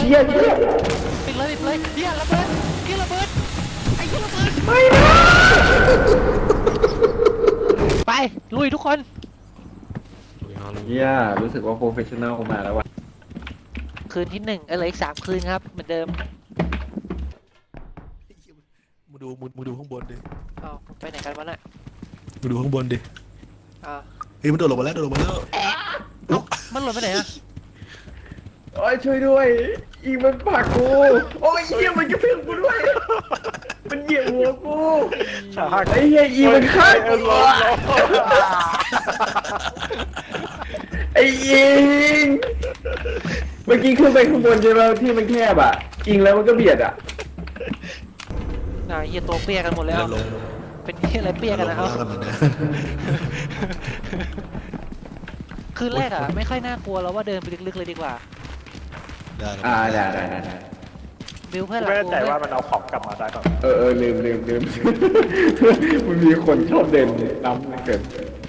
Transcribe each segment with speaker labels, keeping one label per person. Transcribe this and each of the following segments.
Speaker 1: เหี้ยเหี้ย
Speaker 2: ปิดเลยเฮียระเบิดไอ้เฮียระเบิด
Speaker 1: ไม่นะ
Speaker 2: ไปลุยทุกคน
Speaker 1: เหี้ยรู้สึกว่าโปรเฟชชั่นแนลมาแล้วว่ะ
Speaker 2: คืนที่1เหลืออีก3 คืนครับเหมือนเดิม
Speaker 3: มึงดูข้างบนดิ
Speaker 2: เอาไปไหนกันวะน่ะ
Speaker 3: มึงดูข้างบนดิ
Speaker 2: อ้าว
Speaker 3: เฮ้ยมันโดดลงมาแล้ว
Speaker 2: มันหล่นไปไหนอะ
Speaker 1: โอ้ยช่วยด้วยอีมันผลักกูโอ้ยเหี้ยมันกระเพื่อมกูด้วยมันเหยียบหัวกูไอ้เหี้ยอีมันฆ่ากูไอ้ยิงเมื่อกี้ขึ้นไปข้างบนใช่ไหมที่มันแคบอ่ะยิงแล้วมันก็เบียดอ่ะ
Speaker 2: น่าเฮียตัวเปียกันหมดแล้ว
Speaker 3: ลง
Speaker 2: เป็นเฮียอะไรเปียกันนะ
Speaker 3: ล
Speaker 2: เอา
Speaker 3: งกันเหมือนเดิม
Speaker 2: คืนแรกอะไม่ค่อยน่ากลัวแล้วว่าเดินไปลึกๆเลยดีกว่า
Speaker 3: ได้
Speaker 1: ได้
Speaker 2: บิวเพื่อน
Speaker 4: ไม่
Speaker 2: หลั
Speaker 4: แน่
Speaker 2: ง
Speaker 4: ใจ
Speaker 2: กู
Speaker 4: ว่ามันเอาของกลับมาได้ก่อน
Speaker 1: ลืมมันมีคนชอบเดินน้ำเกิน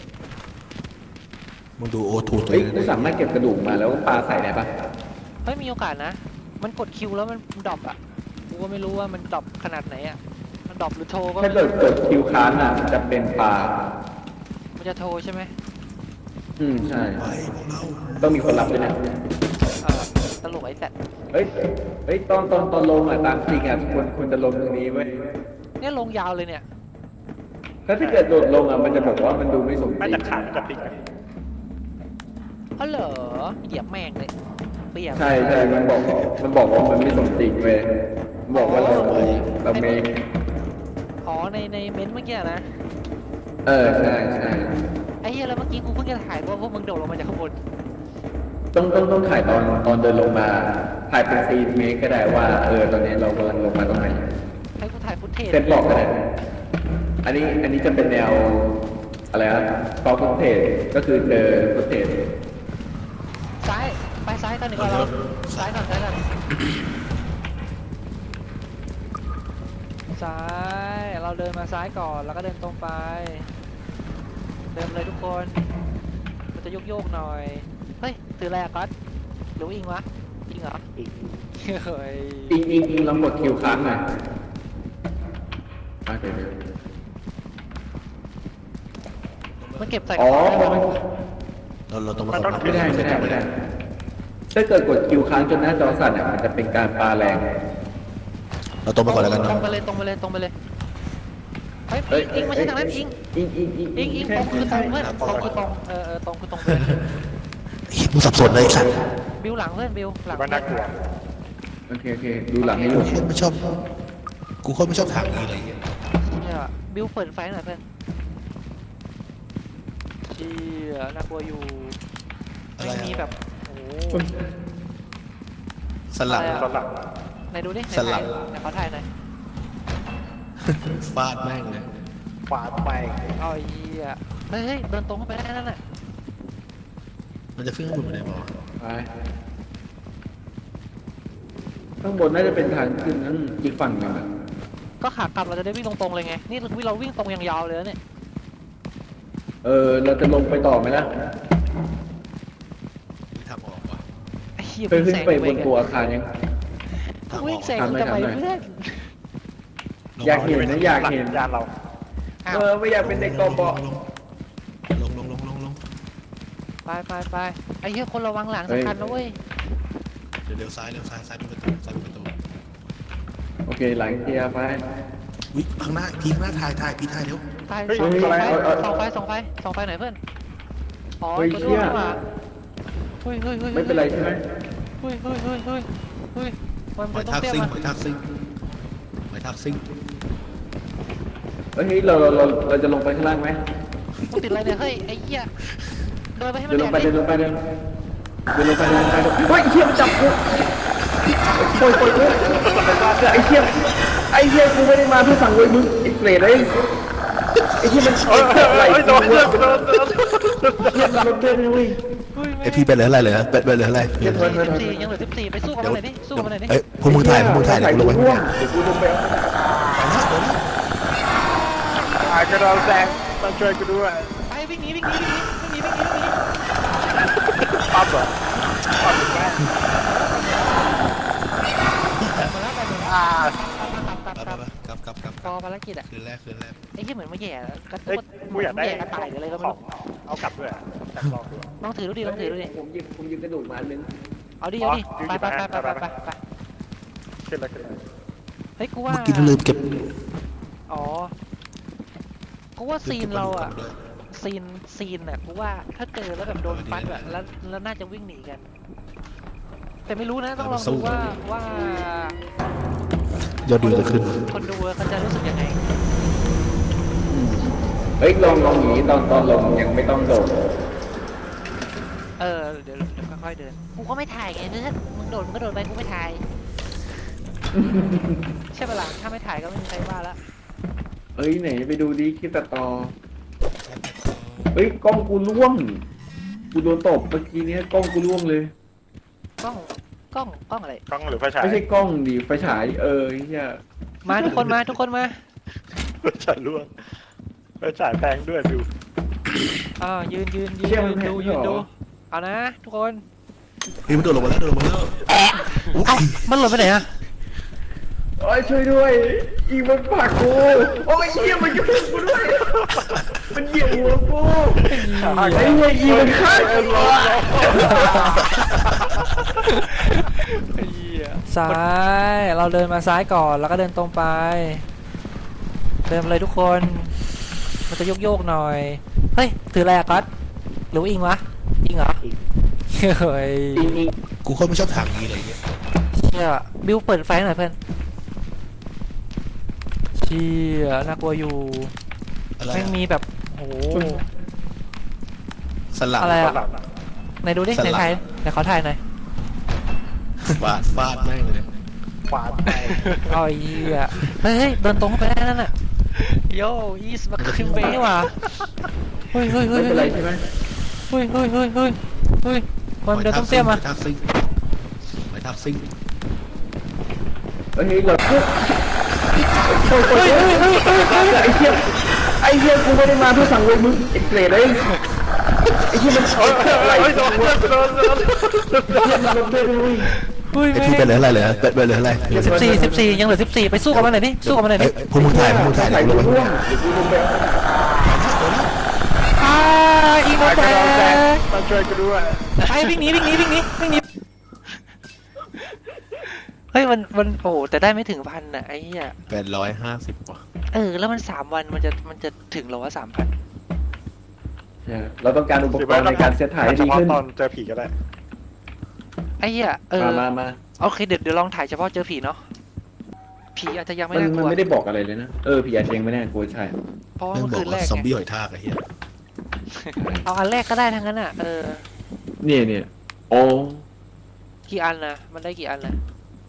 Speaker 3: มึงดูโอทูตัว
Speaker 1: เฮ้ย
Speaker 3: นี้
Speaker 1: กูสามารถเก็บกระดูกมาแล้วปลาใส่ได้ปะ
Speaker 2: เฮ้ยมีโอกาสนะ มันกดคิวแล้วมันดรอปอะกูก็ไม่รู้ว่ามันดรอปขนาดไหนอะมันดรอปหรือโทรก็
Speaker 1: ถ้า
Speaker 2: ไม่
Speaker 1: เกิด
Speaker 2: รู้
Speaker 1: กดคิวค้านอ่ะจะเป็นปลา
Speaker 2: มันจะโทรใช่ไหม
Speaker 1: ใช่
Speaker 3: ไปพวกเรา
Speaker 1: ต้องมีคนรับด้วยนะ
Speaker 2: ตลกไอ้สัตว์
Speaker 1: เฮ้ยตอนลงอ่ะตามจริงอ่ะควรจะลงตรงนี้เว้ย
Speaker 2: เนี่ยลงยาวเลยเนี่ย
Speaker 1: ถ้าเกิดโดดลงอ่ะมันจะบอกว่ามันดูไม่สมจ
Speaker 4: ไม่
Speaker 1: ริง
Speaker 4: จะขาดจะติด
Speaker 2: อ๋อเหรอเหยียบแม่งเลยเปียก
Speaker 1: ใช่มันบอกว่ามันไม่สมจริงเว้ยบอกว่าเราเมค
Speaker 2: อ๋อในเม้นต์เมื่อกี้นะ
Speaker 1: ใช่
Speaker 2: ไอ้เหี้ยแล้วเมื่อกี้กูเพิ่งจะถ่ายว่าพวกมึงโดดลงมาจากข้างบน
Speaker 1: ต้องถ่ายตอนเดินลงมาถ่ายเป็นซีนเมคก็ได้ว่าตอนนี้เรากำลังลงมาตรงไหน
Speaker 2: ให้กูถ่ายฟุตเทจ
Speaker 1: เซตบอกก็ได้อันนี้จะเป็นแนวอะไรครับฟอลฟุตเทจก็คือเจอฟุตเทจ
Speaker 2: ซ้ายไปซ้ายกันหนึ่งก่อนเราซ้ายก่อนซ้ายเราเดินมาซ้ายก่อนแล้วก็เดินตรงไป เดินเลยทุกคนมันจะโยกหน่อยเฮ้ยถืออะไรอะก๊อตหรือว่าอิงวะอิงเหรอเฮ้ย
Speaker 1: อิงลองกดคิวค้างหน่อยเดี๋ยว
Speaker 2: มันเก็บใส่ก
Speaker 1: อ๋
Speaker 2: ระ
Speaker 1: อ
Speaker 2: เป๋าได้ไหม
Speaker 3: เราต้องมา
Speaker 1: ไม่ได้ถ้าเกิดกดคิวค้างจนหน้าจอสั่นอ่ะมันจะเป็นการปาแรง
Speaker 3: เราต้องมาก่อนแล้วกัน
Speaker 2: ตร
Speaker 3: เนาะ
Speaker 2: งไปเลยเฮ้ยอิงไม่ใช่ทางนั้นอิงตรงคือตรงเพื่อนตรงคือตรงตรงคือตรงเพื่อน
Speaker 3: มึงสับสนเลยไอ้สัตว์
Speaker 2: บิวหลังเพื่อนบิวหลัง
Speaker 4: ว่าน่ากลัว
Speaker 1: โอเคดูหลังให้ดู
Speaker 3: กูไม่ชอบทางนี้เลย
Speaker 2: เนี่ยบิวเปิดไฟหน่อยเพื่อนเชี่ยน่ากลัวอยู่ไม่มีแบบโอ้โห
Speaker 3: สลับ
Speaker 4: ตอนหลัง
Speaker 2: ไหนดูดิ
Speaker 3: สลับ
Speaker 2: ไหนเขาถ่ายหน่อย
Speaker 3: ฟาดแม่งเลย
Speaker 4: ขวาไป
Speaker 2: เอาไอ้เหี้ยเฮ้ยเดินตรงเข้าไปได้นั่นน่ะ
Speaker 3: มันจะขึ้นข้างบนไปได้ไหม
Speaker 1: ไปข้างบนน่าจะเป็นทางขึ้นนั่นอีกฝั่งหนึงอะ
Speaker 2: ก็ขากลับเราจะได้วิ่งตรงๆเลยไงนี่เราวิ่งตรงยาวๆเลยนะเนี่ย
Speaker 1: เราจะลงไปต่อไหมล่ะ
Speaker 3: ทางออกวะ
Speaker 2: ไอ้เหี้ย
Speaker 1: ขึ้นไปบ
Speaker 2: วิ่
Speaker 1: น
Speaker 2: ง
Speaker 1: ตัวอาคารยัง
Speaker 2: วิ่งแซงทำไมเพื่อน
Speaker 1: อยากเห็นนะอยากเห็น
Speaker 4: ยานเรา
Speaker 2: อ้าว
Speaker 1: ไม่อยากเป็นเด็กกบ
Speaker 3: ลง
Speaker 2: ไปไอ้เหี้ยคนระวังหลังสำคัญนะเว้ย
Speaker 3: เดี๋ยวซ้ายเป็นประตู
Speaker 1: โอเคหลังเคลียร์ไป
Speaker 3: วิข้างหน้าพี่ข้างหน้าถ่ายพี่ถ่ายเดี๋ยว
Speaker 2: ตาย
Speaker 1: เฮ้ย
Speaker 2: ส่องไฟ
Speaker 1: เอา
Speaker 2: ส่องไฟหน่อยเพื่อนอ๋อ
Speaker 1: เฮ้ย
Speaker 2: ตัว
Speaker 1: เชี่
Speaker 2: ด้วย ยมาเฮ้ย
Speaker 1: ไม่เป็นไรใช่ไหม
Speaker 2: เฮ้ยมัน
Speaker 3: ไป
Speaker 2: ต้อง
Speaker 3: ทัก
Speaker 2: เตี้ย
Speaker 3: ซิ่ง
Speaker 2: มา
Speaker 3: ไปทักซิ่ง
Speaker 1: เฮ้ยเราจะลงไปข้างล่างไหม
Speaker 2: ต้องติดอะไรเนี่ยเฮ้ยไอ้เหี้ยเดินไปให้มัน
Speaker 1: เดินลงไป
Speaker 2: แดก
Speaker 1: เดินลงไปเฮ้ยเชี่ยมันจับกูปล่อยไอ้เชี่ยกูไม่ได้มาเพื่อสั่งเว้ยมึงไอ้เปรตไอ้เชี่ยมันไหล
Speaker 4: โดน
Speaker 1: เชี่ยมันรถเต้นเว้ย
Speaker 3: ไอพี่เป็นเหลืออะไรเหรอเป็นเหลืออะไร
Speaker 2: ยังเหลือ14ไปสู้กับมันหน่อยดิสู้กับมันหน่อยดิ
Speaker 3: เอ้ยพวกมึงถ่ายเดี๋ยวกูลงไป
Speaker 1: เดี๋ยวกูลงไป
Speaker 4: กระโดดแซงมาช่วยกูด้วย
Speaker 2: ไปวิ่งหนี
Speaker 4: ปั๊บเหรอปั๊บแม่
Speaker 2: กิจอะ
Speaker 3: คืนแรก
Speaker 2: ไอ้ที่เหมือนมาแย่กระ
Speaker 4: เฮ้ย
Speaker 2: ตุ้น
Speaker 4: กูอยากได้
Speaker 2: แย่กระต่ายหรืออะไรก็
Speaker 4: ข
Speaker 2: ไม่
Speaker 4: อง
Speaker 2: รู้
Speaker 4: เอากลับด้วยแต่ลองดู
Speaker 2: ลองถือดูดิลองถือดูดิ
Speaker 1: ผมยืมกระดูกมาอันนึง
Speaker 2: เอาดิเอาดิ
Speaker 4: อ๋อ
Speaker 2: ไปไปไปไปไปไปไป
Speaker 4: ขึ้นแล้วขึ้นแล้ว
Speaker 2: เฮ้ยกูว่า
Speaker 3: เมื่อกี้ลืมเก็บ
Speaker 2: อ๋อกูว่าซีนเราอะ
Speaker 3: ด้วย
Speaker 2: ซีนอะกูว่าถ้าเจอแล้วแบบโดนฟัดอะแล้วน่าจะวิ่งหนีกัน แต่ไม่รู้นะต้องลองดูว่าย
Speaker 3: อดวิวจะขึ้น
Speaker 2: คนดูเขาจะรู้สึกยังไง
Speaker 1: เฮ้ยลองหนีตอนลงยังไม่ต้องโดด
Speaker 2: เดี๋ยวค่อยๆเดินกูก็ไม่ถ่ายไงเนื้อมึงโดดมึงก็โดดไปกูไม่ถ่าย ใช่ปะล่ะถ้าไม่ถ่ายก็ไม่มีใครว่าละ
Speaker 1: เอ้ยไหนไปดูดิคลิปตัดต่อเฮ้ยกล้องกูร่วงกูโดนตบเมื่อกี้เนี้ยกล้องกูร่วงเลย
Speaker 2: กล้องอะไร
Speaker 4: กล้องหรือไฟฉาย
Speaker 1: ไม่ใช่กล้องดิไฟฉายไอ้เหี้ย
Speaker 2: มาทุกคนมาทุกคนมา
Speaker 4: ไฟฉายร่วงไฟฉายแพงด้วยดู
Speaker 2: ยืนดูเอานะทุกคน
Speaker 3: เฮ้ยมันโดดลงมาแล้วอุ๊ย
Speaker 2: มันหล่นไปไหนอะ
Speaker 1: โอ้ยช่วยด้วยอีมันผลักกูโอ้ยเหี้ยมันกระทืบกูด้วยมันเหยียบหัวกูไอ้เหี้ยอีมันฆ่ากู
Speaker 2: ซ้ายเราเดินมาซ้ายก่อนแล้วก็เดินตรงไป เดินมาเลยทุกคนมันจะโยกหน่อยเฮ้ยถืออะไรอะก๊อตหรือว่าอิงวะอิงเหรอเฮ้ย
Speaker 3: กูโคตรไม่ชอบทางนี้เลยเนี่ย
Speaker 2: เชี่ยบิวเปิดไฟหน่อยเพื่อนเชี่ยน่ากลัวอยู่
Speaker 3: อะไร
Speaker 2: ไม่มีแบบโอ้โห
Speaker 3: สลับ
Speaker 2: อะไรอะ
Speaker 4: หลัง
Speaker 2: ไหนดูดิไหนถ่ายไหนขอถ่ายหน่อย
Speaker 3: ฟาดแม่งเลย
Speaker 4: ขวาไป
Speaker 2: เอาไอ้เหี้ยเฮ้ยเดินตรงเข้าไปได้นั่นน่ะโย่อีสมาคิมเบย์นี่หว่าเฮ้ย
Speaker 1: ไม่เป็นไรใช่ไหม
Speaker 2: มันเดินต้องเตี้ยมา
Speaker 3: ไปทับซิ่ง
Speaker 1: เฮ้ยเราเฮ้ยไอ้เหี้ยกูไม่ได้มาเพื่อสั่งเวรมึงไอ้เกรดไอ้เหี้ยมันช็อตอะไร
Speaker 4: เฮ้ยโดน
Speaker 1: เหี้ยมันลดด้วยด้วย
Speaker 2: เฮ้ย
Speaker 3: ไอ้ที่เป็นเหลืออะไรเหรอเป็นเหลืออะไร
Speaker 2: 14ยังเหลือ14ไปสู้กับมันหน่อยดิสู้กับมันหน่อยดิ
Speaker 3: พวกมึงถ่าย
Speaker 1: ใส่
Speaker 3: เดี๋ยว
Speaker 1: กู
Speaker 3: ลง
Speaker 1: ร่ว
Speaker 3: มาง
Speaker 1: เดี๋ยวกูลงไป
Speaker 2: อีโมแต
Speaker 4: มาช่วยกูด้วย
Speaker 2: ไปวิ่งหนีเฮ้ยมันโอ้แต่ได้ไม่ถึงพันน่ะไอ้เหี้ย
Speaker 3: 850ว่ะ
Speaker 2: แล้วมัน3 วันมันจะถึงหรอว่า3,000
Speaker 1: เราต้องการอุปกรณ์ในการเซตถ่ายให้
Speaker 4: เฉ
Speaker 1: ดี
Speaker 4: พาะ
Speaker 1: ขึ้น
Speaker 4: ตอนเจอผีก็ได้
Speaker 2: ไอ้เหี้ย
Speaker 1: มา
Speaker 2: โอเคเดี๋ยวลองถ่ายเฉพาะเจอผีเนาะผีอาจจะยังไม่
Speaker 1: มัน
Speaker 2: น่ากลัว
Speaker 1: ไม่ได้บอกอะไรเลยนะผีอาเชงไม่แน่กูใช่
Speaker 2: เพราะว่า
Speaker 3: แม่ง
Speaker 2: เมื่อบ
Speaker 3: อ
Speaker 2: คื
Speaker 3: ก
Speaker 2: นแร
Speaker 3: ว่าก ซอม
Speaker 2: ไง
Speaker 3: บี้หอยทากไอ้เหี้ย
Speaker 2: เอาอันแรกก็ได้ทั้งนั้นอ่ะ
Speaker 1: เนี่ยโอ้
Speaker 2: กี่อันนะมันได้กี่อันนะ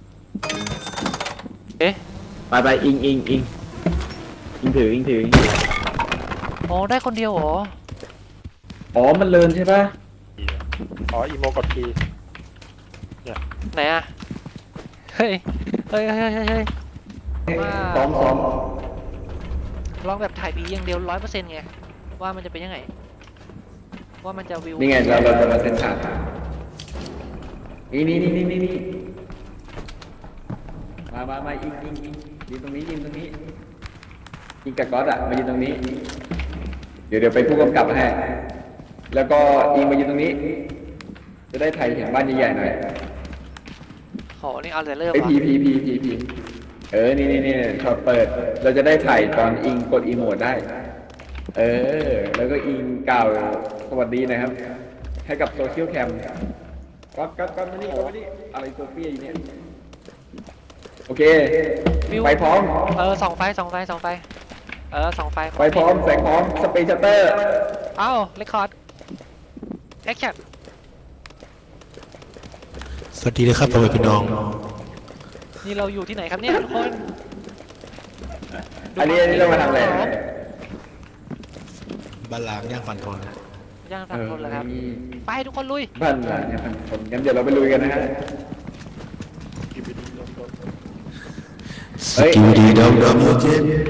Speaker 2: เอ๊ะ
Speaker 1: ไปอิงถือ
Speaker 2: อ๋อได้คนเดียวเหรอ
Speaker 1: อ๋อมันเลินใช่ปะ
Speaker 4: อ๋ออีโมกดที
Speaker 2: ไหนอ่ะเฮ้ย
Speaker 1: ซ้อม
Speaker 2: ลองแบบถ่ายผีอย่างเดียว100%ไงว่ามันจะเป็นยังไงว่ามันจะวิว
Speaker 1: นี่ไงเราจะมาเซตฉากนี่มาอิงยืนตรงนี้อิงกับก๊อตอะมายืนตรงนี้เดี๋ยวไปผู้กำกับให้แล้วก็อิงมายืนตรงนี้ จะได้ถ่ายเห็นบ้านใหญ่ๆหน่อย
Speaker 2: โหนี่เอาแต่เริ่ม
Speaker 1: ไอ้
Speaker 2: เหรอ
Speaker 1: พีนี่ช็อตเปิด เราจะได้ถ่ายตอนอิงกดอีโมดได้ แล้วก็อิงกล่าวสวัสดีนะครับ ให้กับโซเชียลแคมก็มานี่อะไรโซเฟียอยู่เนี่ยโอเคไฟพร้อม
Speaker 2: ส่องไฟส่องไฟไฟ
Speaker 1: พร้อมแสงพร้อมสเปซชัตเตอร์
Speaker 2: เอ้าเรคคอร์ดแอคชั่น
Speaker 3: สวัสดีนะครับพ่อแม่พี่น้อง
Speaker 2: นี่เราอยู่ที่ไหนครับเนี่ยทุกคน
Speaker 1: อันนี้เรามาทำอะไร
Speaker 3: บ้านล้างย่างฟันทน
Speaker 2: ย่างทำคนแล้วครับไปทุกคนลุย
Speaker 1: บ้านหลังเนี่ยพันคนงั้นเดี๋ยวเราไปลุยกันนะฮะ
Speaker 3: สกิลดีดำโอเค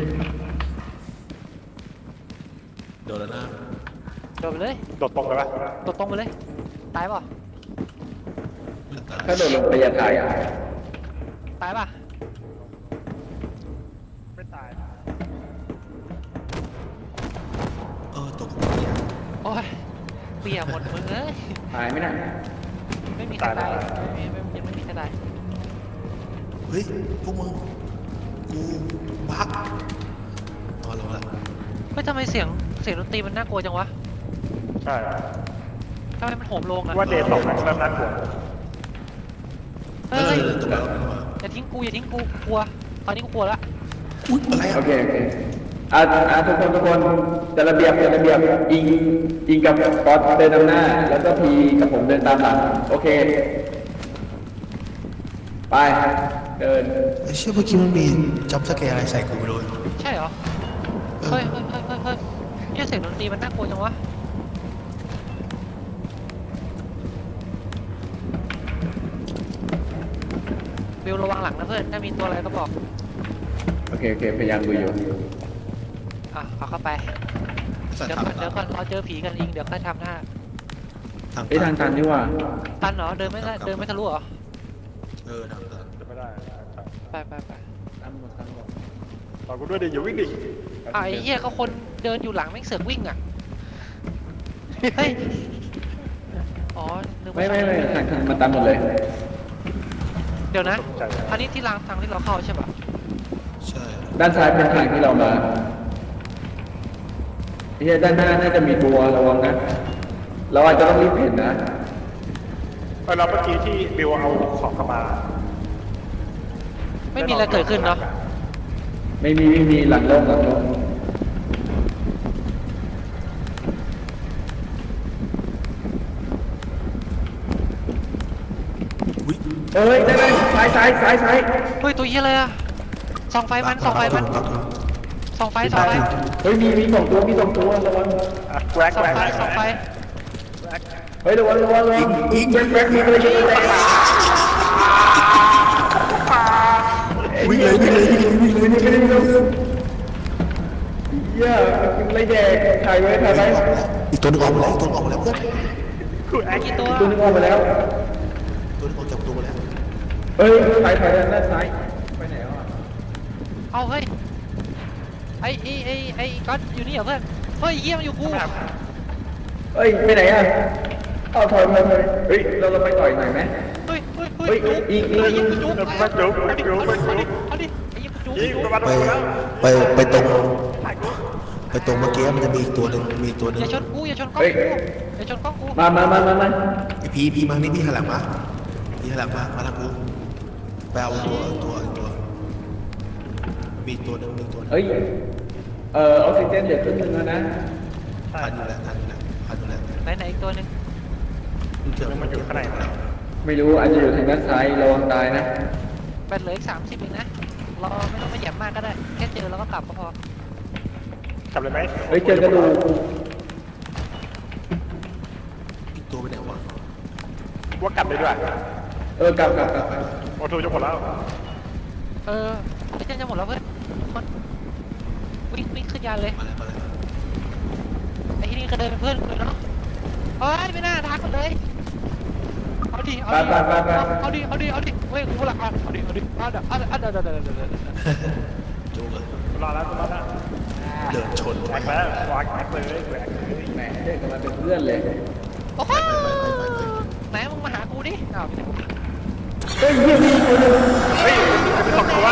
Speaker 3: โดนแล้วนะ
Speaker 2: โดดไปเลย
Speaker 4: โดดตรงเลยปะ
Speaker 2: โดดตรงไปเลยตายป่ะ
Speaker 3: ไม่ตาย
Speaker 1: ถ้าโดดลงไปอย่าถ่าย
Speaker 2: ตายป่ะ
Speaker 4: ไม่ตาย
Speaker 2: ยหมดมึงเอ้ย
Speaker 1: ตายไหมน่ะ
Speaker 2: ไม่มีใครตายยังไม่มีใครตาย
Speaker 3: เฮ้ยพวกมึงกูบักอ๋อลงละ
Speaker 2: เฮ้ยทำไมเสียงดนตรีมันน่ากลัวจังวะ
Speaker 4: ใช่
Speaker 2: ทำไมมันโหมโลงอะ
Speaker 4: ว่าเดย์ตกมันเริ่มน่ากลัว
Speaker 2: เฮ้
Speaker 3: แล้ว
Speaker 2: ย
Speaker 3: เราเดินตรงแล้วนี่หว่า
Speaker 2: อย่าทิ้งกูกลัวตอนนี้กูกลัวละ
Speaker 3: อุ๊ยอะไร
Speaker 1: โอ
Speaker 3: อ่ะ
Speaker 1: เคทุกคนจัดระเบียบอิงกับก๊อตเดินนำหน้า แล้วก็พีกับผมเดินตามหลังโอเคไปเดิน
Speaker 3: ไอ้เชี่ยเมื่อกี้มันมีจัมป์สแกร์อะไรใส่กูไปเลย
Speaker 2: ใช่เหรอเฮ้ยเนี่ยเสียงดนตรีมันน่ากลัวจังวะบิวระวังหลังนะเพื่อนถ้ามีตัวอะไรก็บอก
Speaker 1: โอเคพยายามดูอยู่
Speaker 2: อ่ะเอาเข้าไป
Speaker 3: สัต
Speaker 2: เดี๋ยว
Speaker 3: ว์
Speaker 2: ก่อนเราเจอผีกันอิงเดี๋ยวค่อยทำหน้า
Speaker 1: ทางตันนี่ว่า
Speaker 2: ตันเหรอเดินไม่ทะลุเหรอ
Speaker 3: ทางตัน
Speaker 4: จะไม่ได้
Speaker 2: ไป
Speaker 1: ตันหมด
Speaker 4: ต่อกูด้วยดิอย่าวิ่งดิ
Speaker 2: ไอ้เหี้ยก็คนเดินอยู่หลังแม่งเสือกวิ่งอ่ะเฮ้ยอ๋อนึก
Speaker 1: ไม่
Speaker 2: ว่า
Speaker 1: ทางมันตันหมดเลย
Speaker 2: เดี๋ยวนะอันนี้ที่ทางที่เราเข้าใช่ปะ
Speaker 3: ใช่
Speaker 1: ด้านซ้ายเป็นทางที่เรามาด้านหน้าน่าจะมีตัวระวังนะเราอาจจะต้องรีบเห็นนะ
Speaker 4: เราเมื่อกี้ที่บิวเอาของเข้ามา
Speaker 2: ไม่มีอะไรเกิดขึ้นเนาะ
Speaker 1: ไม่มีหลังโล่ง
Speaker 3: อุ๊ย
Speaker 1: เอ้ยได้ซ้าย
Speaker 2: เฮ้ยตัวเหี้ยอะไรอะส่องไฟมัน
Speaker 3: บัก
Speaker 2: ส่องไฟ
Speaker 1: เฮ้ยมีสองตัวระวัง
Speaker 4: แกร็ก
Speaker 2: ส่องไฟ
Speaker 1: เฮ้ยระวังอีกแบ็คมีอะไรอยู่ใน
Speaker 3: วิ่งเลย
Speaker 1: เหี้ยมันไรแดกถ่ายไว้
Speaker 3: อีกตัวนึงออกมาแล้วเพื่อน
Speaker 4: กูแอค
Speaker 2: กี่ตัว
Speaker 1: ตัวนึงออกมาแล้ว
Speaker 3: ตัวนึงออกจากตัวมาแล้ว
Speaker 1: เฮ้ยถ่ายด้านซ้ายไปไหนอ่ะ
Speaker 2: เอาเฮ้ยไอ้ก๊อตอยู่นี่เหรอเพื่อนเฮ้ยเหี้ยมันอยู่กู
Speaker 1: เฮ้ยไปไหนอ่ะเอาถอยเฮ้ยเราไปต่อยหน่อยไหม
Speaker 2: เฮ้ย
Speaker 1: เฮ้ยอีก
Speaker 2: ไอ้ยิงจุ๊บเอาดิไอ้ยิงจุ๊บ
Speaker 4: ยิงประมาณ
Speaker 3: ไป
Speaker 4: แล้ว
Speaker 3: ไปตรงเมื่อกี้มันจะมีอีกตัวหนึ่งมีตัวหนึ่ง
Speaker 2: อย่าชนกูอย่าชนกล้องกูอย่าชนกล้องกู
Speaker 1: มา
Speaker 3: ไอพีมานี่พี่หันหลังมามาทางกูไปเอาตัวมีตัวหนึ่ง
Speaker 1: เฮ้ยออกซิเจนเดี๋ยวครึ่งนึงแล้วนะ
Speaker 3: พันอยู่แล้ว
Speaker 2: ไหนอีกตัวหนึง
Speaker 4: มันอยู่ข้างใน
Speaker 1: ไม่รู้อาจจะอยู่ทางด้านซ้ายระวังตายนะ
Speaker 2: แบตเหลืออีก30เองนะเราไม่ต้องไปแหย่มมากก็ได้แค่เจอแล้วก็กลับก็พอก
Speaker 4: ลับเลยไหม
Speaker 1: เฮ้ยเจอกระดูก
Speaker 3: อีกตัวไปไหนวะ
Speaker 4: ว่ากลับเลยด้วย
Speaker 1: กลับ
Speaker 4: โอทูจะหมดแล้ว
Speaker 2: ไอ้เจ้าจะหมดแล้วเพื่อนคนวิ่งขึ้นยานเลย
Speaker 3: มาแล้ว
Speaker 2: ไอ้ที่นี่ก็เดินเป็นเพื่อนเลยเนาะเฮ้ยไม่น่าทักกันเลยเอาดิเว้ยกูละเอาดิ
Speaker 3: จูเลย
Speaker 4: รอแล้ว
Speaker 3: เดินชน
Speaker 4: แอคแล้ววางแอคเลยแหวก
Speaker 1: แหมเดินกันมาเป็นเพื่อนเลย
Speaker 2: โอ้โหไหนมึงมาหากูดิอ้าว
Speaker 1: เฮ้ยมีตัวนึง
Speaker 4: เฮ้ยเป็นสองตัว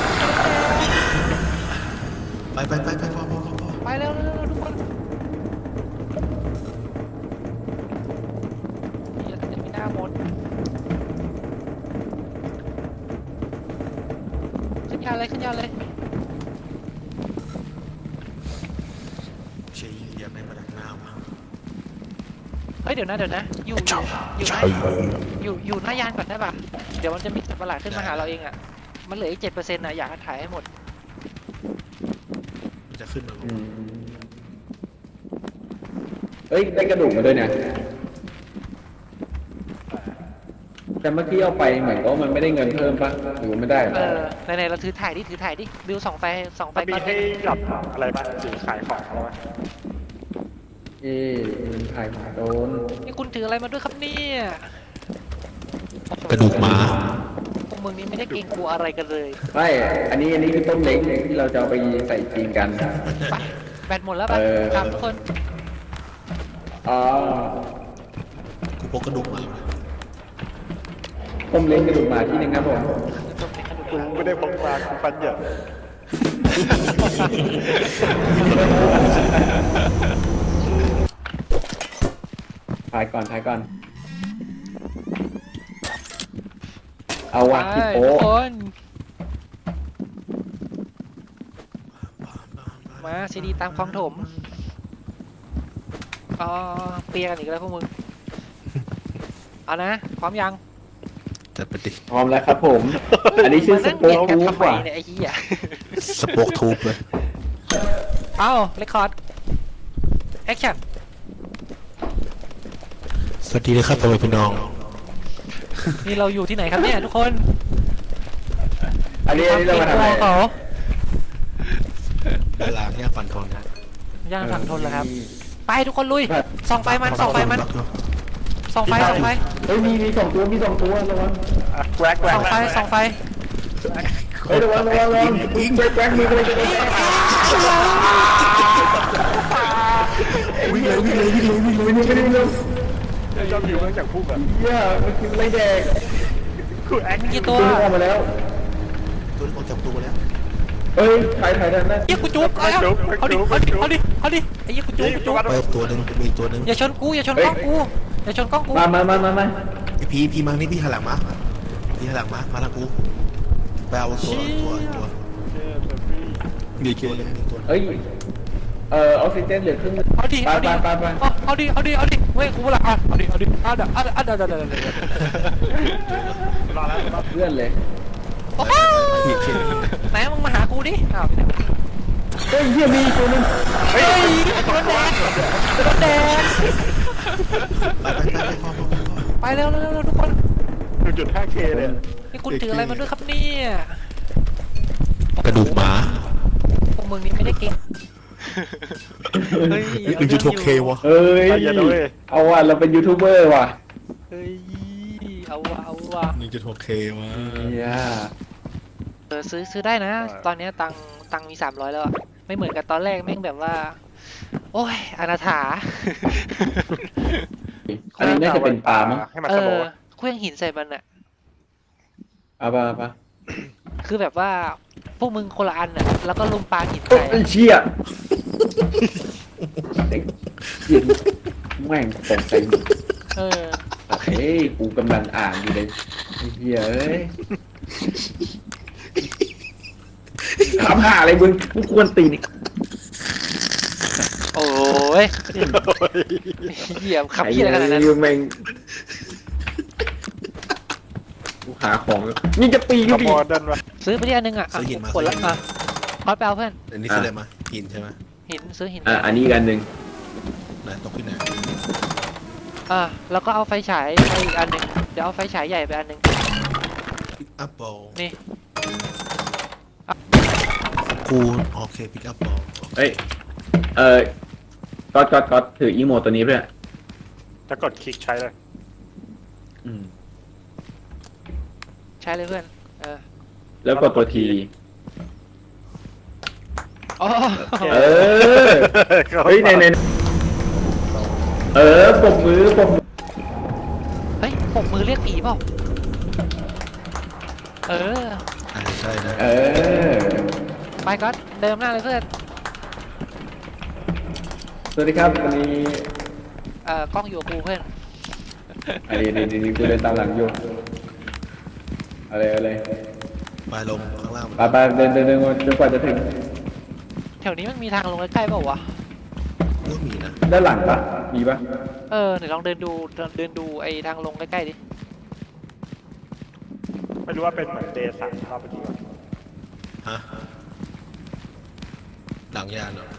Speaker 3: ไปพอ
Speaker 2: ไปเร็วทุกคนอย่าจะมีหน้ามนขึ้นยานเลย
Speaker 3: เชียร์อย่าไม่มาดักหน้ามา
Speaker 2: เฮ้ยเดี๋ยวนะอยู่หน้ายานก่อนได้ป่ะเดี๋ยวมันจะมีสัตว์ประหลาดขึ้นมาหาเราเองอ่ะมันเหลืออีก7%นะอยากให้ถ่ายให้หมด
Speaker 3: มันจะขึ้นมา
Speaker 1: เฮ้ยได้กระดูกมาด้วยเนี่ยแต่เมื่อกี้เอาไปเหมือนว่ามันไม่ได้เงินเพิ่มปะหรือว่าไม่ได้
Speaker 2: ไหนเราถือถ่ายดิบิวส่องไฟ
Speaker 4: มันมี
Speaker 2: ก่อน
Speaker 4: ให้หยับอะไรบ้างสีขายของอะไรบ้าง
Speaker 1: มันถ่ายหมาโดน
Speaker 2: นี่คุณถืออะไรมาด้วยครับเนี่ย
Speaker 3: กระดูกหมา
Speaker 2: พวกมึงนี่ไม่ได้เกรงกลัวอะไรกันเลย
Speaker 1: ไม่อันนี้คือต้มเล้งที่เราจะเอาไปใส่จีนกัน
Speaker 2: ไปแบตหมดแล้วป่ะครับทุกคน
Speaker 1: อ๋อ
Speaker 3: พกกระดูกมา
Speaker 1: ผมเล่นกระดูกหมาที่หนึ่งครับผม
Speaker 4: กูไม่ได้พกมากูฟันเหยิบ
Speaker 1: ถ่ายก่อนถ่ายก่อน เอาวะ
Speaker 2: ไป
Speaker 1: ฮิปโป
Speaker 2: ทุกคนมาซีดีตามคลองถมอ๋อเปียกันอีกแล้วพวกมึงเอานะพร้อมยัง
Speaker 3: จัดไปดิ
Speaker 1: พร้อมแล้วครับผม อันนี้ชื่อส
Speaker 2: นั่ง
Speaker 1: โป๊
Speaker 2: เบียด
Speaker 1: ก
Speaker 2: กัน
Speaker 1: ทูบ
Speaker 2: ทำไม
Speaker 1: ว่ะ
Speaker 2: เนี่ยไอ้เหี้ย
Speaker 3: สปอคทูบเลย
Speaker 2: เอ้าเรคคอร์ดแอคชั่น
Speaker 3: สวัสดีเลยครับพ่อแม่พี่น้อง
Speaker 2: นี่เราอยู่ที่ไหนครับเนี่ยทุกคน
Speaker 1: อันนี้เรามาทำอะไร
Speaker 2: เขา
Speaker 3: เวลาเนี่ยฟันทองนะ
Speaker 2: ย่างฝั่งทนเหรอครับ ไปทุกคนลุยส่องไฟมันส่องไฟมันส่องไฟส่องไฟ
Speaker 1: เฮ้ยมีสองตัวระวัง
Speaker 4: แกวกแกว
Speaker 2: ส่
Speaker 4: ก
Speaker 2: องไฟส่องไฟ
Speaker 1: เฮ้ยระวังยิงแกล้งมือไปเลย
Speaker 3: วิ่งเลยวิ่งเลยวิ่งเลยวิ่งเลย
Speaker 1: ไม่ได้เลย
Speaker 4: ชอบอยู่เนื่องจากพุ่งอ่ะ
Speaker 1: เหี้ยมันกินไรแดง
Speaker 4: กูแอค
Speaker 2: มีกี่ตัว
Speaker 1: ตัวออกมาแล้ว
Speaker 3: ตัวออกจากตัวแล้ว
Speaker 1: เอ้ยถ่ายด้านนั้น
Speaker 2: เยี่ยกูจุกเอาดิเอาดิไอ้เยี่ยกูจุก
Speaker 3: ไปตัวหนึ่งมีตัวหนึ่ง
Speaker 2: อย่าชนกูอย่าชนกล้องกูอย่าชนกล้องกู
Speaker 1: มา
Speaker 3: พี่มานี่พี่หันหลังมาพี่หันหลังมาทางกูไปเอาตัวมีตัวนึงมีตัว
Speaker 1: เอ้ยออกซิเจนเหลือครึ่ง
Speaker 2: เอาดิ
Speaker 1: ไป
Speaker 2: เอาดิเว้ยกูละเอาดิเอาเดี๋ยว
Speaker 4: รอแล้วรอ
Speaker 1: เพื่อนเลย
Speaker 2: โอ้โหไหนมึงมาหากูดิอ้าว
Speaker 1: เฮ้ยเหี้ยมีตัวนึง
Speaker 2: เฮ้ยตัวแดงตัวแดง
Speaker 3: ไป
Speaker 2: ไปเร็วทุกคน
Speaker 4: 1.5K เลย
Speaker 2: นี่คุณถืออะไรมาด้วยครับเนี่ย
Speaker 3: กระดูกหมา
Speaker 2: พวกมึงนี่ไม่ได้เก่งเฮ้ย
Speaker 3: 1.6K วะ
Speaker 1: เอ้ย
Speaker 4: ไปอย่าด้วย
Speaker 1: เอาว่ะเราเป็นยูทูบเบอร์ว่ะ
Speaker 2: เฮ้ยเอาว่ะ
Speaker 3: 1.6K วะ
Speaker 1: เหี้ย
Speaker 2: ซื้อได้นะ ตอนนี้ตังมี300แล้วอะไม่เหมือนกับตอนแรกแม่งแบบว่า โอ้ยอนาถา
Speaker 1: อันนี้น่าจะเป็นปลามั้ง
Speaker 4: ให้มันสโลว์
Speaker 2: เครื่องหินใส่มันอะ
Speaker 1: เอาปะ
Speaker 2: คือแบบว่าพวกมึงคนละอันอะแล้วก็ลุมปาหิน
Speaker 1: โอ้
Speaker 2: ใส่
Speaker 1: ยเชี่ยเหี้ยแม่งตกใจ
Speaker 2: เออ
Speaker 1: เฮ้ยกูกำลังอ่านอยู่เลยไอ้เหี้ยเอ้ยถามหาอะไรมึงกูควรตีนี่
Speaker 2: โอ้ยเหยียบขับเหี้ยอะไรขนาดนั้น
Speaker 1: แม่งกูหาของนี่จะปี
Speaker 4: ข
Speaker 1: ก็ปี
Speaker 4: โมยดันวะ
Speaker 2: ซื้อไปที่อันนึงอะกดแล้วอะคอสไปเอาเพื่อน
Speaker 3: อันนี้คืออะไรมาหินใช่ไหม
Speaker 2: หินซื้อหิน
Speaker 1: อันนี้กันหนึ่ง
Speaker 3: ไหนตกที่ไหน
Speaker 2: แล้วก็เอาไฟฉายไปอีกอันหนึ่งเดี๋ยวเอาไฟฉายใหญ่ไปอันหนึ่ง
Speaker 3: พิกอัพบอล
Speaker 2: นี่
Speaker 3: กูโอเคพิกอัพบอล
Speaker 1: เอ้ยก็ถืออีโมตัวนี้เพื่อน
Speaker 4: จะกดคลิกใช้เลย
Speaker 2: ใช้เลยเพื่อน
Speaker 1: แล้วกดตัวที
Speaker 2: อ๋อ
Speaker 1: เออ เฮ้ยในปมมือ
Speaker 2: เฮ้ยปกมือเรียกผีเปล่า
Speaker 3: ใช่นะ
Speaker 2: ไปก็เดิมหน้าเลยเพื่อน
Speaker 1: สวัสดีครับวันนี้
Speaker 2: กล้องอยู่กับกูเพื่อน
Speaker 1: อันนี้กูเดินตามหลังอยู่อะไร
Speaker 3: ไปลงข้างล่าง
Speaker 1: ไปเดินจนกว่าจะถึง
Speaker 2: แถวนี้มันมีทางลงใกล้ๆเปล่าวะ
Speaker 3: ก็มีนะ
Speaker 1: ด้านหลังปะมีปะ
Speaker 2: เดี๋ยวลองเดินดูไอ้ทางลงใกล้ๆดิ
Speaker 4: ไม่รู้ว่าเป็นเหมือนเดย์สั่งรอบเมื่อกี้วะ
Speaker 3: ฮะหลังยานเหรอ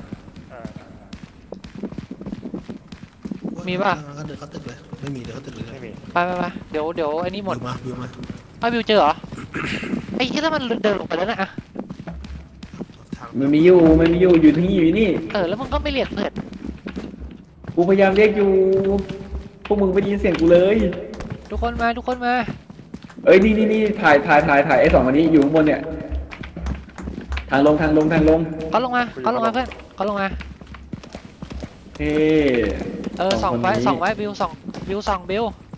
Speaker 2: มีป่ะ
Speaker 3: เขาเดินเขาตึกเลยไม่มีเดินเขาตึกเลย
Speaker 4: ไม่มี
Speaker 2: ไปเดี๋ยวไอ้นี่หมด
Speaker 3: วิวมา
Speaker 2: วิวเจอเหรอ ไอ้ที่แล้วมันเดินลงไปแล้วนะอะ
Speaker 3: ทาง
Speaker 1: มันมีอยู่ที่นี่อยู่นี่
Speaker 2: แล้วมึงก็ไม่เรียกเพื่อน
Speaker 1: กูพยายามเรียกอยู่พวกมึงไม่ได้ยินเสียงกูเลย
Speaker 2: ทุกคนมา
Speaker 1: เอ้ยนี่ถ่ายไอ้สองอันนี้อยู่ข้างบนเนี่ยทางลง
Speaker 2: ก็ลงมาเพื่อนก็ลงมา
Speaker 1: เฮ้
Speaker 2: ส่องไว้วิวส่องบิว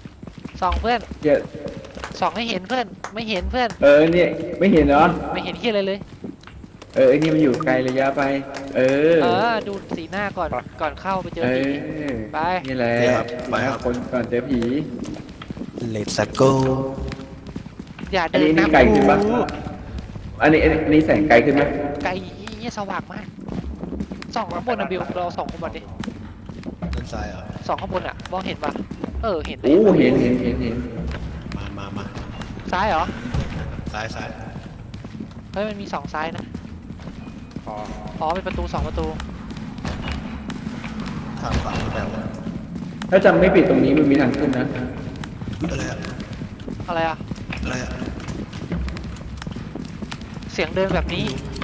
Speaker 2: ส่องเพื่อน
Speaker 1: เหี้ย
Speaker 2: ส่องให้เห็นเพื่อนไม่เห็นเพื่อน
Speaker 1: เนี่ยไม่เห็นเหรอ
Speaker 2: ไม่เห็นที่อะไรเลย
Speaker 1: ไอ้นี่มันอยู่ไกลระยะไป
Speaker 2: ดูสีหน้าก่อนเข้าไปเจอผี ไป
Speaker 1: นี่แหละ
Speaker 3: นี่ครับไปครับ
Speaker 1: คนก่อนเจอผี
Speaker 3: Let's go
Speaker 2: อย่า
Speaker 1: อัน
Speaker 2: เดิน
Speaker 1: นี้
Speaker 2: นำ
Speaker 1: ไกลขึ้นปะ
Speaker 2: กู
Speaker 1: อันนี้แสงไกลขึ้นไหม
Speaker 2: ไกลเหี้ยสว่างมากส่องข้างบนนะบิวเราส่องข้างบนดิ
Speaker 3: ด้านซ้ายเหรอ
Speaker 2: ส่องข้างบนอ่ะมองเห็นปะเห็น
Speaker 1: โอ้เห็น
Speaker 3: มา
Speaker 2: ซ้ายเหรอ
Speaker 3: ซ้าย
Speaker 2: เฮ้ยมันมี2ซ้ายนะอ๋อเป็นประตู2ประตู
Speaker 3: ทางฝั่งนี้แบบว่า
Speaker 1: ถ้าจำไม่ผิดตรงนี้มันมีทางขึ้นนะ
Speaker 3: อะไรอะ
Speaker 2: อะไรอ่ะ
Speaker 3: อะไรอะ
Speaker 2: เสียงเดินแบบนี้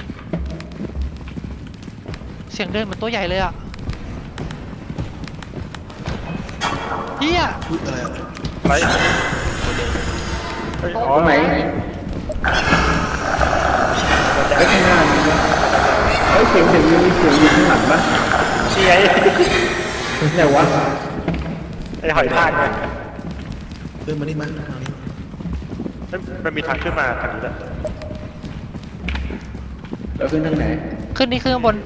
Speaker 2: เสียงเดินเหมือนตัวใหญ่เลยอ่ะเฮีย
Speaker 3: อุ๊ยอะไรอะ
Speaker 4: อะไรเฮ้ยอ๋อ
Speaker 1: ตรงไหนไอ้ข้างหน้ามีปะเสียงมีเสียงอยู่ข้างหลังปะ
Speaker 4: นี่ไง
Speaker 1: ไหนวะ
Speaker 4: ไอ้หอยทากเนี่ย
Speaker 3: เพื่อนมานี่มาทางนี้
Speaker 4: มันมีทางขึ้นมาทางนี้แหละ
Speaker 1: เราขึ้นทางไหน
Speaker 2: ขึ้นนี่ขึ้นข้างบน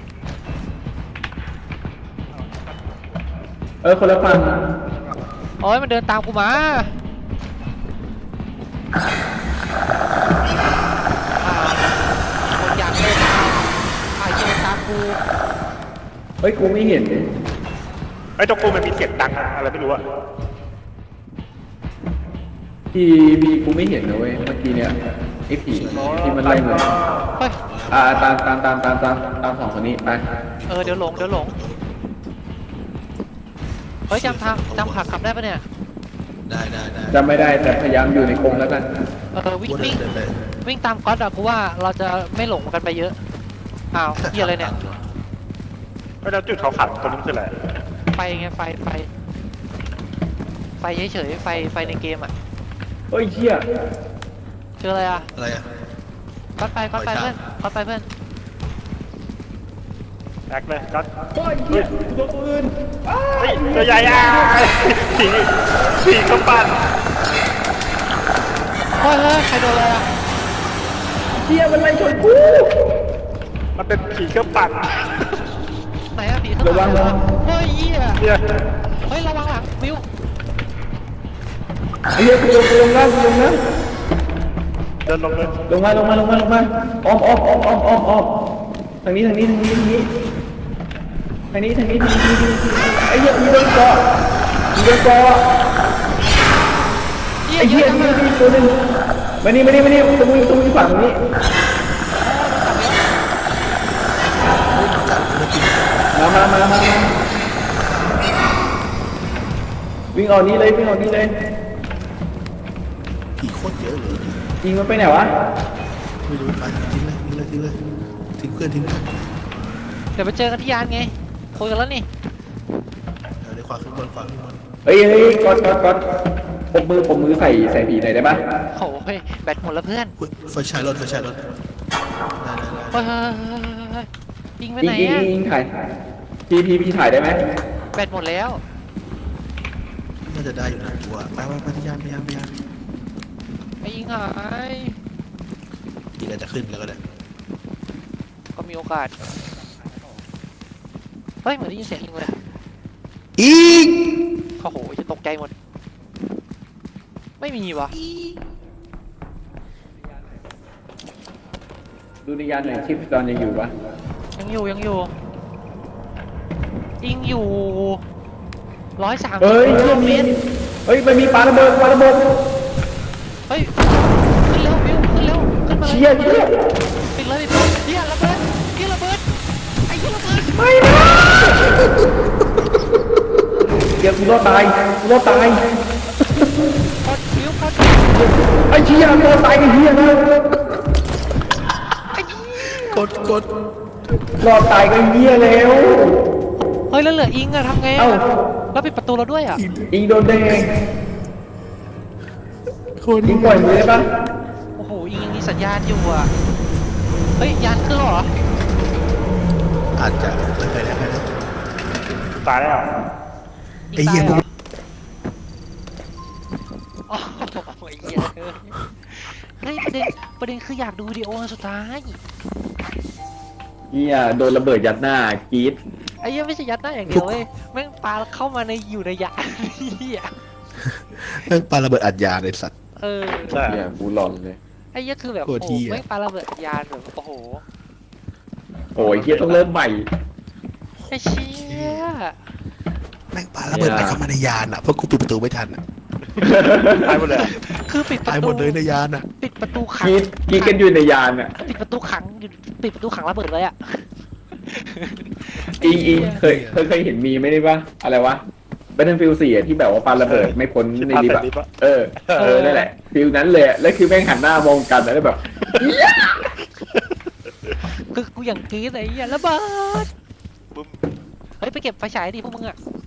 Speaker 1: คนละฝั่ง
Speaker 2: โอ้ยมันเดินตามกูมาคนอยากเล่นเดินตามกู
Speaker 1: กูไม่เห็น
Speaker 4: ไอ้ตรงกูมันมีเสียงดังอะไรไม่รู้อะ
Speaker 1: พี่กูไม่เห็นนะเว้ยเมื่อกี้เนี้ยไอ้ผีที่มันไล่มา
Speaker 2: เฮ้ย
Speaker 1: ตามสองคนนี้ไป
Speaker 2: เดี๋ยวหลงเฮ้ยจำขากลับได้ปะเนี่ย
Speaker 3: ได้
Speaker 1: จำไม่ได้แต่พยายามอยู่ในกรงแล้วกัน
Speaker 2: วิ่
Speaker 3: กู
Speaker 2: ง
Speaker 3: เดินไป
Speaker 2: วิ่งตามก๊อตอะกูว่าเราจะไม่หลงกันไปเยอะอ้าวเฮียอะไรเนี่ย
Speaker 4: ไอ้แล้วจุดเขาขังตรงนี้คืออะไร
Speaker 2: ไฟไงไฟเฉยๆไฟในเกมอะ
Speaker 1: เชี่ย
Speaker 2: เจออะไรอะ
Speaker 3: อะไรอะ
Speaker 2: ก๊อตไปเพื่อน
Speaker 4: แอคเลยก็
Speaker 1: เชี่ยตัวปืน
Speaker 4: เฮ้ยตัวใหญ่อะผีก็ปั่น
Speaker 2: เฮ้ยใครโดนอะไรอะ
Speaker 1: เชี่ยมันไล่ชนกู
Speaker 4: มันเป็นผีก็ปั่น
Speaker 2: ไหนอะผีข้างหลังเฮ้ยเหี้ย
Speaker 4: เนี่ย
Speaker 2: เฮ้ยระวังหลังวิว
Speaker 1: ไอ้เหี้ยกูลงนะ
Speaker 4: เดินลงเลย
Speaker 1: ลงมาอ้อมทางนี้ไอ้เหี้ยมีโดนเกาะไอ้เหี้ยมีตัวนึงมานี่ตรงนี้ฝั่งนี้มาวิ่งออกนี้เลย
Speaker 3: ผีโคตรเยอะเลย
Speaker 1: ยิงมันไปไหนวะ
Speaker 3: ไม่รู้ไปทิ้งเลยทิ้งเพื่อน
Speaker 2: เดี๋ยวไปเจอกันที่ยานไงคุยกันแล้วนี่
Speaker 3: เดี๋ยวขวาขึ้นบน
Speaker 1: เฮ้ยกดผมมือใส่ผีหน่อยได้ปะ
Speaker 2: โอ้ยแบตหมดแล้วเพื่อน
Speaker 3: อุ๊ยไฟฉายรถได้
Speaker 2: เฮ้ยยิงไปไหนอะ
Speaker 1: ยิงถ่ายพี่ถ่ายได้ไหม
Speaker 2: แบตหมดแล้ว
Speaker 3: น่าจะได้อยู่นะกูว่าไปพยายาม
Speaker 2: ไอ้ยิงหาย
Speaker 3: อีกอาจจะขึ้นแล้วก็ได้
Speaker 2: ก็มีโอกาสเฮ้ยเหมือนได้ยินเสียงยิงเลย
Speaker 3: อีก
Speaker 2: โอ้โหจะตกใจหมดไม่มีวะ
Speaker 1: ดูในยานหน่อยชิปตอนยังอยู่ปะ
Speaker 2: ยังอยู่ยิงอยู่130
Speaker 1: เฮ้ย
Speaker 2: กิโลเมตร
Speaker 1: มันมีปลาระเบิด
Speaker 2: เฮ้ยขึ้นเร็วบิวขึ้นเร็วขึ้นมาเลย
Speaker 1: เชี่ย
Speaker 2: ปิดเลยเฮียระเบิดไอ้เฮียระเบิด
Speaker 1: ไม่นะเดี๋ยวกูรอดตาย
Speaker 2: กดบิวกด
Speaker 1: ไอ้เชี่ยรอดตายไอ้เหี้ยนะ
Speaker 3: กด
Speaker 1: รอดตายก็เหี้ยแล้ว
Speaker 2: เฮ้ยแล้วเหลืออิงอะทำไง
Speaker 1: เอ้า
Speaker 2: อะแล้วปิดประตูเราด้วยอะ
Speaker 1: อิงโดนได้ไง
Speaker 3: คน
Speaker 1: อิงปล่อยมือได้ปะ
Speaker 2: โอ้โหอิงยังมีสัญญาณอยู่อะเฮ้ยยานขึ้นแล้วเหรอ
Speaker 3: อาจจะไปแล้ว
Speaker 4: ตายแล้ว
Speaker 3: ไอ้เหี้ย
Speaker 2: ตา
Speaker 3: มึ
Speaker 2: ห
Speaker 3: ง
Speaker 2: รเฮ้ยประเด็นคืออยากดูวิดีโออันสุดท้าย
Speaker 1: เฮียโดนระเบิดยัดหน้ากรีด
Speaker 2: ไอ้เหี้ยังไม่ใช่ยัดหน้าอย่างเดียวเว้ยแม่งปาเข้ามาอยู่ในยานเหี้ย
Speaker 3: แม่งปาระเบิดอัดยาเลยสัตว์
Speaker 2: เออ
Speaker 4: ใช่
Speaker 1: เฮียกูหลอนเลย
Speaker 2: ไอ้เหี้ยคือแบบ
Speaker 3: โค
Speaker 2: โอ้
Speaker 3: ตร
Speaker 2: โห
Speaker 3: เหี้ย
Speaker 2: แม่งปาระเบิดยานแบบโอ้โห
Speaker 1: โอ้ยเฮียต้องเริ่มใหม่
Speaker 2: ไอ้เชี่ย
Speaker 3: แม่งปาระเบิดอะไรเข้ามาในยานอ่ะเพราะกูปิดประตูไม่ทันอ่ะ
Speaker 4: ตายหมดเลย
Speaker 2: คือปิดประ
Speaker 3: ตายห
Speaker 2: ตู
Speaker 3: มดเลยในยานอ่ะ
Speaker 2: ปิดประตูขั
Speaker 1: ก
Speaker 2: ง
Speaker 1: รีดกันอยู่ในยานอ่ะ
Speaker 2: ปิดประตูขังอยู่ปิดประตูขังระเบิดเลยอ่ะ
Speaker 1: อิงเคยเห็นมีไหมได้ปะอะไรวะ Battlefield 4อะที่แบบว่าปาระเบิดไม่พ้นในลิฟต์
Speaker 4: ลิฟต์
Speaker 1: อะ
Speaker 4: อะ
Speaker 1: เออนั่นแหละฟิลนั้นเลยอะแล้วคือแม่งหันหน้ามองกันแล้วแบบ
Speaker 2: คือกูอย่างกรี๊ดไอ้เหี้ยระเบิด
Speaker 4: บึ้ม
Speaker 2: เฮ้ยไปเก็บไฟฉายดิพวกมึงอ่ะ